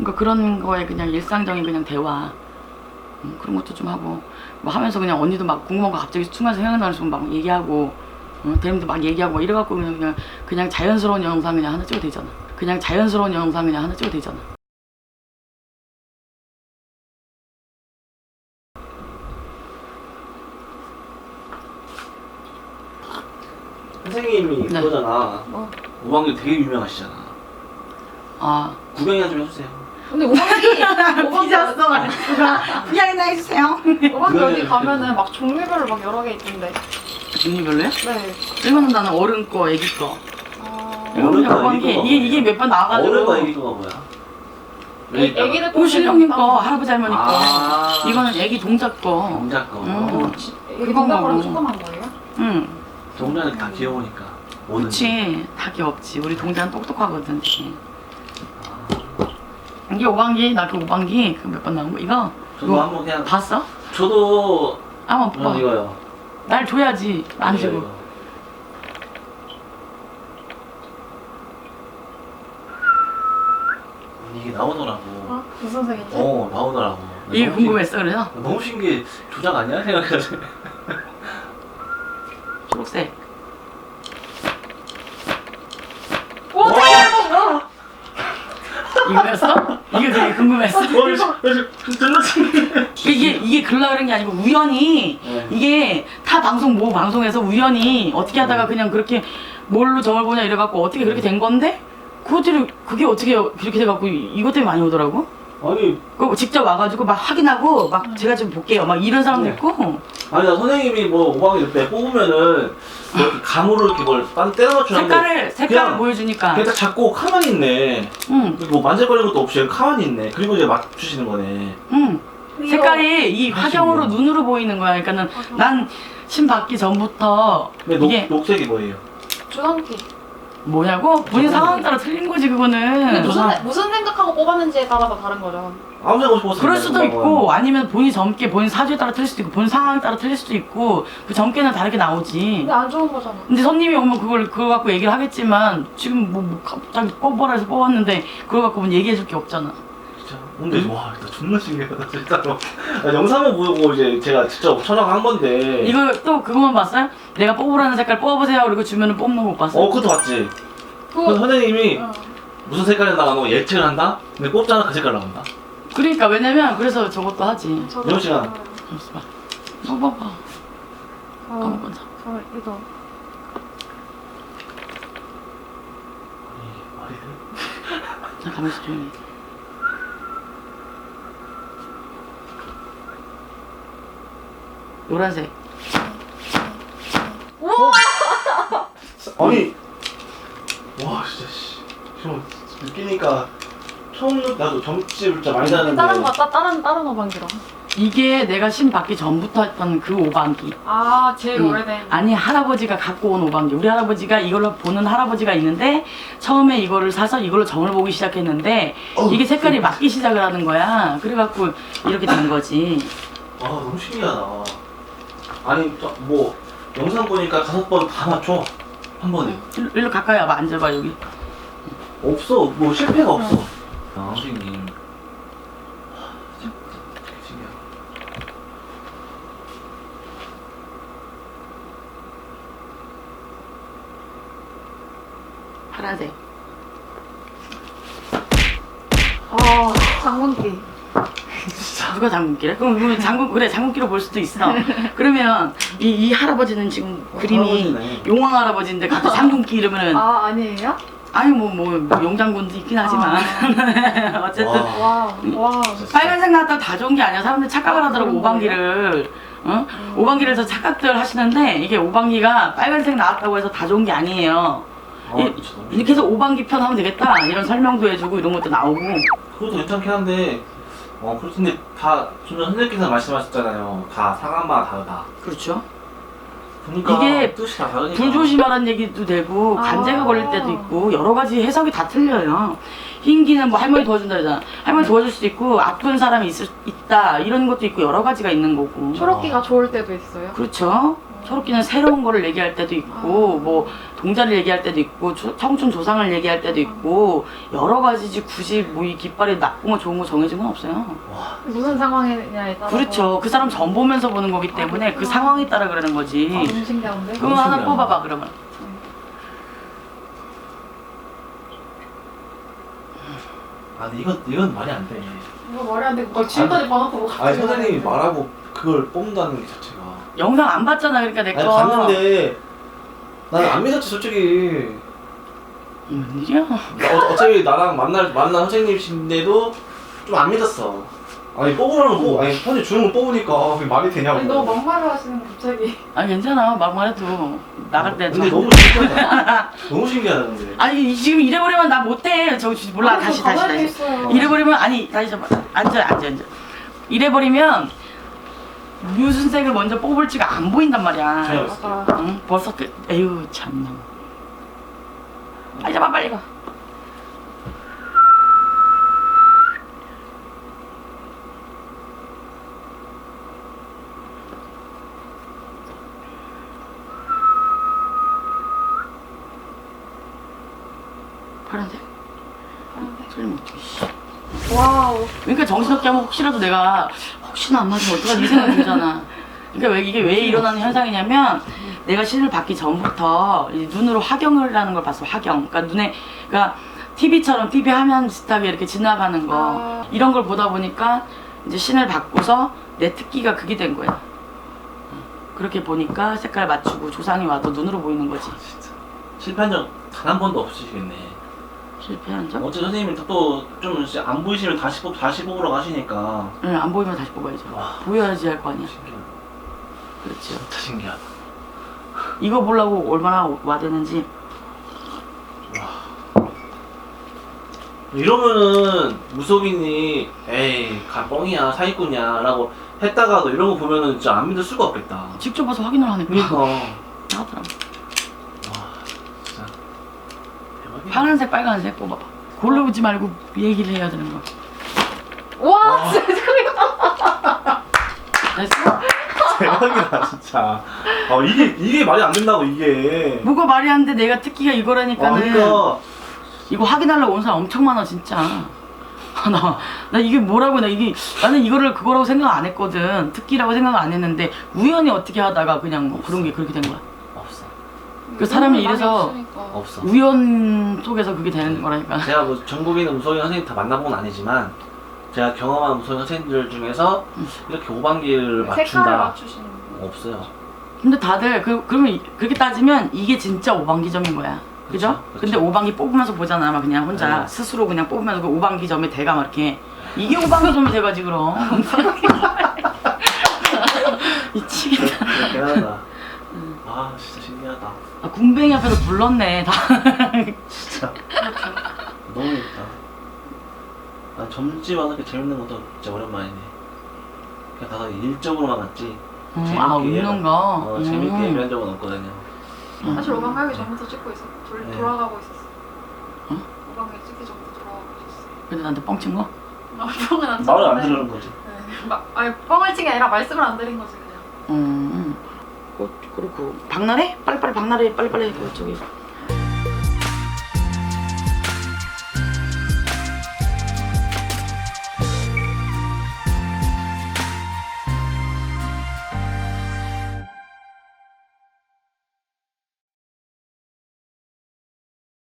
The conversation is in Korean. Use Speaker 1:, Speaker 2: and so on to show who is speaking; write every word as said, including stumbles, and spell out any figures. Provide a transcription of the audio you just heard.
Speaker 1: 그러니까 그런 거에 그냥 일상적인 그냥 대화 음, 그런 것도 좀 하고 뭐 하면서 그냥 언니도 막 궁금한 거 갑자기 순간 생각나서 막 얘기하고 어, 대림도 막 얘기하고 막 이래갖고 그냥, 그냥 그냥 자연스러운 영상 그냥 하나 찍어도 되잖아. 그냥 자연스러운 영상 그냥 하나 찍어도 되잖아.
Speaker 2: 선생님이
Speaker 1: 네.
Speaker 2: 그거잖아.
Speaker 3: 뭐?
Speaker 2: 오 학년 되게 유명하시잖아.
Speaker 1: 아
Speaker 2: 구경이나 좀 해주세요.
Speaker 3: 근데 오방기 오방기
Speaker 1: 삐졌어. 미안해 해주세요.
Speaker 3: 오방기 어디 가면은 막 종류별로 막 여러 개 있던데.
Speaker 1: 종류별로요?
Speaker 3: 네.
Speaker 1: 이거는 나는 어른 거, 애기 거.
Speaker 3: 아...
Speaker 1: 이거
Speaker 2: 어른 거,
Speaker 1: 그냥
Speaker 2: 애기
Speaker 1: 이게
Speaker 2: 거가
Speaker 1: 이게,
Speaker 2: 뭐예요?
Speaker 1: 이게 몇 번 나와가지고.
Speaker 2: 어른 거 애기 거가 뭐야?
Speaker 3: 애, 애기들
Speaker 1: 오실 형님 거, 할아버지 할머니 거.
Speaker 2: 아.
Speaker 1: 이거는 애기 동작 거.
Speaker 2: 동작 거.
Speaker 1: 음.
Speaker 3: 애기
Speaker 1: 그거
Speaker 3: 동작으로
Speaker 1: 먹어.
Speaker 3: 초점한 거예요?
Speaker 1: 응.
Speaker 2: 동작이 다 귀여우니까. 뭐든지.
Speaker 1: 그치. 다 귀엽지. 우리 동자는 똑똑하거든.
Speaker 2: 아.
Speaker 1: 이게 오방기, 나 그 오방기 그 몇 번 나온 거 이거.
Speaker 2: 저도
Speaker 1: 이거
Speaker 2: 한번 그냥.
Speaker 1: 봤어?
Speaker 2: 저도.
Speaker 1: 한번
Speaker 2: 그냥
Speaker 1: 봐.
Speaker 2: 이거요.
Speaker 1: 날 줘야지. 안
Speaker 2: 이거,
Speaker 1: 주고.
Speaker 2: 이거. 이게 나오더라고.
Speaker 3: 어? 무슨 색이지?
Speaker 2: 어, 나오더라고.
Speaker 1: 이게
Speaker 2: 너무
Speaker 1: 궁금했어 그래서?
Speaker 2: 신- 너무 신기해. 조작 아니야? 생각해서.
Speaker 1: 초록색.
Speaker 3: 오! 잠깐만!
Speaker 1: 이거였어? 이게 되게 궁금했어.
Speaker 2: 존나 신기해.
Speaker 1: 이게 이게 글라 그런 게 아니고 우연히
Speaker 2: 네.
Speaker 1: 이게 타 방송 모 방송에서 우연히 어떻게 하다가 그냥 그렇게 뭘로 점을 보냐 이래갖고 어떻게 그렇게 된 건데 그것들이 그게 어떻게 그렇게 돼갖고 이것 때문에 많이 오더라고.
Speaker 2: 아니,
Speaker 1: 그 직접 와가지고 막 확인하고 막 제가 좀 볼게요 막 이런 사람도
Speaker 2: 네.
Speaker 1: 있고.
Speaker 2: 아니, 나 선생님이 뭐 오학년 때 뽑으면은 뭐 이렇게 감으로 이렇게 뭘 딴 때려 맞추는데
Speaker 1: 색깔을 색깔을
Speaker 2: 그냥
Speaker 1: 보여주니까.
Speaker 2: 그냥 딱 잡고 가만히 있네.
Speaker 1: 응,
Speaker 2: 뭐 만질거리는 것도 없이 그냥 가만히 있네. 그리고 이제 맞추시는 거네.
Speaker 1: 응. 색깔이 이
Speaker 2: 사실이요.
Speaker 1: 화경으로 눈으로 보이는 거야. 그러니까는 난 신 받기 전부터
Speaker 2: 근데 녹,
Speaker 1: 이게
Speaker 2: 녹색이 뭐예요?
Speaker 3: 주황기.
Speaker 1: 뭐냐고 본인 상황 따라 틀린 거지
Speaker 3: 근데
Speaker 1: 그거는.
Speaker 3: 무슨,
Speaker 2: 조상-
Speaker 3: 무슨 생각하고 뽑았는지에 따라서 다른 거죠.
Speaker 2: 아무 생각 없이 뽑았어요.
Speaker 1: 그럴 수도 있고 아니면 본인 점괘 본인 사주에 따라 틀릴 수도 있고 본인 상황에 따라 틀릴 수도 있고 그 점괘는 다르게 나오지.
Speaker 3: 근데 안 좋은 거잖아.
Speaker 1: 근데 손님이 오면 그걸 그거 갖고 얘기를 하겠지만 지금 뭐, 뭐 갑자기 뽑아라 해서 뽑았는데 그걸 갖고 뭐 얘기해 줄 게 없잖아.
Speaker 2: 진짜. 근데 와, 나 존나 신기하다 진짜로. 나 영상만 보고 이제 제가 직접 촬영한 건데.
Speaker 1: 이거 또 그거만 봤어요? 내가 뽑으라는 색깔 뽑아보세요 그리고 주면은 뽑는 거 못 봤어요?
Speaker 2: 어, 그것도 봤지. 그
Speaker 3: 그거
Speaker 2: 선생님이
Speaker 3: 어.
Speaker 2: 무슨 색깔이 나가는 거 예측을 한다? 근데 뽑잖아 그 색깔 나온다.
Speaker 1: 그러니까 왜냐면 그래서 저것도 하지.
Speaker 3: 저도
Speaker 2: 이런 시간.
Speaker 3: 알아요.
Speaker 1: 잠시 봐. 뽑아봐.
Speaker 3: 어,
Speaker 1: 아무거나.
Speaker 3: 저 이거
Speaker 2: 아니, 말이 돼?
Speaker 1: 자 가만히 있어 조용히. 노란색.
Speaker 2: 아니, 와 진짜 씨. 좀 느끼니까 처음 느 나도 점집을 진짜 많이 다는데.
Speaker 3: 다른 거, 따, 다른 다른 오방기로.
Speaker 1: 이게 내가 신 받기 전부터 했던 그 오방기.
Speaker 3: 아, 제일
Speaker 1: 응.
Speaker 3: 오래된.
Speaker 1: 아니 할아버지가 갖고 온 오방기. 우리 할아버지가 이걸로 보는 할아버지가 있는데 처음에 이거를 사서 이걸로 점을 보기 시작했는데
Speaker 2: 어우,
Speaker 1: 이게 색깔이 맞기 시작을 하는 거야. 그래갖고 이렇게 된 거지.
Speaker 2: 아 너무 신기하다. 아니 저, 뭐 영상 보니까 다섯 번 다 맞춰 한 번에.
Speaker 1: 일로, 일로 가까이 와봐. 앉아봐 여기.
Speaker 2: 없어 뭐 실패가 없어. 아 선생님. 와, 진짜 신기하다.
Speaker 1: 파란색.
Speaker 3: 아, 장군기.
Speaker 1: 누가 장군기래? 그럼 그럼 장군 그래 장군기로 볼 수도 있어. 그러면 이, 이 할아버지는 지금 그림이
Speaker 2: 할아버지네.
Speaker 1: 용왕 할아버지인데 갑자기 장군기 이러면은
Speaker 3: 아, 아니에요?
Speaker 1: 아니 뭐 뭐 용장군도 있긴 하지만 어쨌든
Speaker 2: 와.
Speaker 3: 와, 와.
Speaker 1: 빨간색 나왔다 다 좋은 게 아니야. 사람들 착각을 하더라고 오방기를. 어?
Speaker 3: 음.
Speaker 1: 오방기를 해서 착각들 하시는데 이게 오방기가 빨간색 나왔다고 해서 다 좋은 게 아니에요.
Speaker 2: 아,
Speaker 1: 이-
Speaker 2: 진짜 너무
Speaker 1: 이렇게 해서 오방기 편 하면 되겠다 이런 설명도 해주고 이런 것도 나오고.
Speaker 2: 그것도 괜찮긴 한데 어 그렇던데 다 지금 선생님께서 말씀하셨잖아요. 다 상황마다 다르다.
Speaker 1: 그렇죠.
Speaker 2: 그러니까
Speaker 1: 이게
Speaker 2: 뜻이 다 다르니까.
Speaker 1: 불조심하라는 얘기도 되고
Speaker 3: 아.
Speaker 1: 간제가 걸릴 때도 있고 여러 가지 해석이 다 틀려요. 흰기는 뭐 할머니 도와준다 그러잖아. 할머니 도와줄 수도 있고 아픈 사람이 있을, 있다 이런 것도 있고 여러 가지가 있는 거고.
Speaker 3: 초록기가 좋을 때도 있어요.
Speaker 1: 그렇죠. 서로끼리는 새로운 거를 얘기할 때도 있고 뭐 동자를 얘기할 때도 있고 조- 청춘 조상을 얘기할 때도 있고 여러 가지지 굳이 뭐 이 깃발이 나쁜 거 좋은 거 정해진 건 없어요.
Speaker 3: 무슨 상황이냐에 따라서.
Speaker 1: 그렇죠. 그 사람 전 보면서 보는 거기 때문에
Speaker 3: 아,
Speaker 1: 그
Speaker 3: 그렇구나.
Speaker 1: 상황에 따라 그러는 거지.
Speaker 3: 아, 너무 신기한데?
Speaker 1: 그거
Speaker 2: 너무
Speaker 1: 하나
Speaker 2: 신기하다.
Speaker 1: 뽑아봐 그러면.
Speaker 2: 아 근데 이건 이건 말이 안 돼.
Speaker 3: 이거 말이 안 되고 막 지금까지 봐놓고 뭐
Speaker 2: 아니
Speaker 3: 갑자기
Speaker 2: 선생님이
Speaker 3: 말하는데.
Speaker 2: 말하고 그걸 뽑는다는 게 자체가.
Speaker 1: 영상 안 봤잖아 그러니까 내
Speaker 2: 아니
Speaker 1: 거.
Speaker 2: 봤는데 난 안 믿었지 솔직히.
Speaker 1: 웬일이야?
Speaker 2: 어, 어차피 나랑 만날 만난 선생님이신데도 좀 안 믿었어. 아니 뽑으라면 뽑, 아니 편지 주는 거 뽑으니까 그게 말이 되냐고.
Speaker 3: 아니 너무 막말을 하시는 거 갑자기.
Speaker 1: 아니 괜찮아 막말 해도 나갈 때.
Speaker 2: 근데
Speaker 1: 저-
Speaker 2: 너무 신기하다. 너무 신기하다 근데.
Speaker 1: 아니 지금 이래버리면 나 못해. 저 몰라
Speaker 3: 아니,
Speaker 1: 다시
Speaker 3: 저
Speaker 1: 다시
Speaker 3: 가만히
Speaker 1: 다시.
Speaker 3: 있어요.
Speaker 1: 이래버리면 아니 다시 좀 앉아 앉아 앉아. 이래버리면 무슨 색을 먼저 뽑을지가 안 보인단 말이야.
Speaker 2: 제가
Speaker 3: 맞아.
Speaker 1: 응? 벌써 그 에휴 참나. 빨리 잡아 빨리 가. 파란색? 소리 못 씨.
Speaker 3: 와우.
Speaker 1: 그러니까 정신없게 하면 혹시라도 내가 혹시나 안 맞으면 어떡하지 이 생각이 들잖아. 그러니까 왜 이게 왜 일어나는 현상이냐면 내가 신을 받기 전부터 이 눈으로 화경을 하는 걸 봤어. 화경. 그러니까 눈에 그러니까 티비처럼 티비 화면 비슷하게 이렇게 지나가는 거
Speaker 3: 아.
Speaker 1: 이런 걸 보다 보니까 이제 신을 받고서 내 특기가 그게 된 거야. 그렇게 보니까 색깔 맞추고 조상이 와도 눈으로 보이는 거지.
Speaker 2: 진짜 실패한 적 단 한 번도 없으시겠네.
Speaker 1: 실패한 적?
Speaker 2: 어째 선생님이 또 좀 안 보이시면 다시 뽑 다시 뽑으러 가시니까.
Speaker 1: 응, 안 보이면 다시 뽑아야죠.
Speaker 2: 와.
Speaker 1: 보여야지 할 거 아니야.
Speaker 2: 신기하다.
Speaker 1: 그렇죠.
Speaker 2: 진짜 신기하다.
Speaker 1: 이거 보려고 얼마나 와대는지.
Speaker 2: 이러면은 무속인이 에이 가 뻥이야 사기꾼이야 라고 했다가도 이런 거 보면은 진짜 안 믿을 수가 없겠다.
Speaker 1: 직접 와서 확인을 하니까.
Speaker 2: 그러니까 와
Speaker 1: 하더라.
Speaker 2: 진짜 대박이야.
Speaker 1: 파란색, 빨간색 뽑아봐. 고르지 말고 얘기를 해야 되는 거야.
Speaker 3: 와,
Speaker 2: 와.
Speaker 3: 진짜
Speaker 1: 됐어?
Speaker 2: 대박이다 진짜. 아 이게 이게 말이 안 된다고 이게.
Speaker 1: 뭐가 말이 안 돼. 내가 특기가
Speaker 2: 아,
Speaker 1: 이거라니까는.
Speaker 2: 그러니까
Speaker 1: 이거 확인하려고 온 사람 엄청 많아 진짜. 아, 나, 나 이게 뭐라고 나 이게 나는 이거를 그거라고 생각 안 했거든. 특기라고 생각 안 했는데 우연히 어떻게 하다가 그냥 뭐 그런 게 그렇게 된 거야.
Speaker 2: 없어
Speaker 1: 그 사람이 이래서
Speaker 3: 없으니까.
Speaker 2: 없어.
Speaker 1: 우연 속에서 그게 되는 거라니까.
Speaker 2: 제가 뭐 전국에 있는 무속인 선생님 다 만나본 건 아니지만 제가 경험한 무속인 선생님들 중에서 이렇게 오방기를
Speaker 3: 색깔을
Speaker 2: 맞춘다
Speaker 3: 맞추시는 분.
Speaker 2: 없어요.
Speaker 1: 근데 다들 그 그러면 이- 그렇게 따지면 이게 진짜 오방기점인 거야. 그죠?
Speaker 2: 그쵸, 그쵸.
Speaker 1: 근데 오방기 뽑으면서 보잖아. 막 그냥 혼자
Speaker 2: 네.
Speaker 1: 스스로 그냥 뽑으면서 그 오방기점에 대가 막 이렇게 이게 오방기점이 돼가지 그럼. 미치겠다.
Speaker 2: 대단하다. 아 진짜 신기하다.
Speaker 1: 아, 군뱅이 앞에서 불렀네 다.
Speaker 2: 진짜 너무 재밌다. 아 점집 와서 이렇게 재밌는 것도 진짜 오랜만이네. 그냥 가서 일적으로만 갔지.
Speaker 1: 음,
Speaker 2: 재밌게
Speaker 1: 아
Speaker 2: 얘기하-
Speaker 1: 웃는 거.
Speaker 2: 어, 재밌게
Speaker 1: 음.
Speaker 2: 얘기한 적은 없거든요.
Speaker 3: 사실 오방 가기 전부터 찍고 있었. 돌,
Speaker 2: 네.
Speaker 3: 돌아가고 있었어.
Speaker 1: 응?
Speaker 3: 오방에 찍기 전부터 돌아가고 있었어.
Speaker 1: 근데 나한테 뻥친 거?
Speaker 3: 아, 뻥은 안
Speaker 2: 말을 안
Speaker 3: 쳤는데.
Speaker 2: 들으는 거지.
Speaker 3: 네. 막, 아니 뻥을 친 게 아니라 말씀을 안 드린 거지 그냥.
Speaker 1: 음. 그, 그리고 박나래? 빨리빨리 박나래 빨리빨리 그 저기